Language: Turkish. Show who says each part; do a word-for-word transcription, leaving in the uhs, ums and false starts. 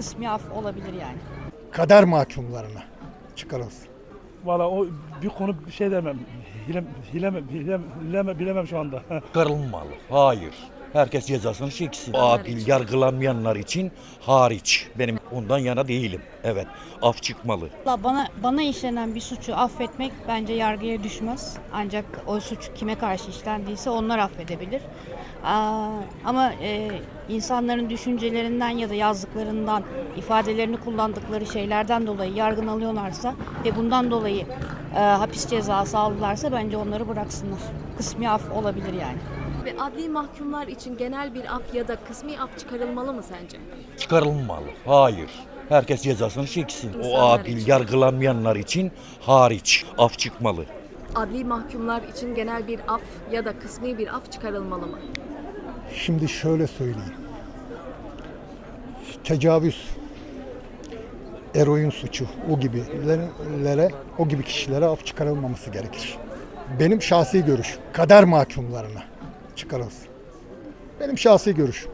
Speaker 1: Kısmi af olabilir yani.
Speaker 2: Kader mahkumlarına çıkarılsın.
Speaker 3: Valla o bir konu bir şey demem. Hilem, hilem, hilem, hilem, bilemem şu anda.
Speaker 4: Çıkarılmalı. Hayır. Herkes cezasını çeksin. Adil yargılanmayanlar için hariç. Benim ondan yana değilim. Evet. Af çıkmalı.
Speaker 1: Valla Bana bana işlenen bir suçu affetmek bence yargıya düşmez. Ancak o suç kime karşı işlendiyse onlar affedebilir. Aa, ama e, insanların düşüncelerinden ya da yazdıklarından, ifadelerini kullandıkları şeylerden dolayı yargılanıyorlarsa ve bundan dolayı e, hapis cezası aldılarsa bence onları bıraksınlar. Kısmi af olabilir yani.
Speaker 5: Ve adli mahkumlar için genel bir af ya da kısmi af çıkarılmalı mı sence?
Speaker 4: Çıkarılmalı. Hayır. Herkes cezasını çeksin. O
Speaker 5: İnsanlar
Speaker 4: adil
Speaker 5: için.
Speaker 4: yargılanmayanlar için hariç. Af çıkmalı.
Speaker 5: Adli mahkumlar için genel bir af ya da kısmi bir af çıkarılmalı mı?
Speaker 2: Şimdi şöyle söyleyeyim. Tecavüz, eroin suçu o gibilere, o gibi kişilere af çıkarılmaması gerekir. Benim şahsi görüşüm. Kader mahkumlarına çıkarılsın. Benim şahsi görüşüm.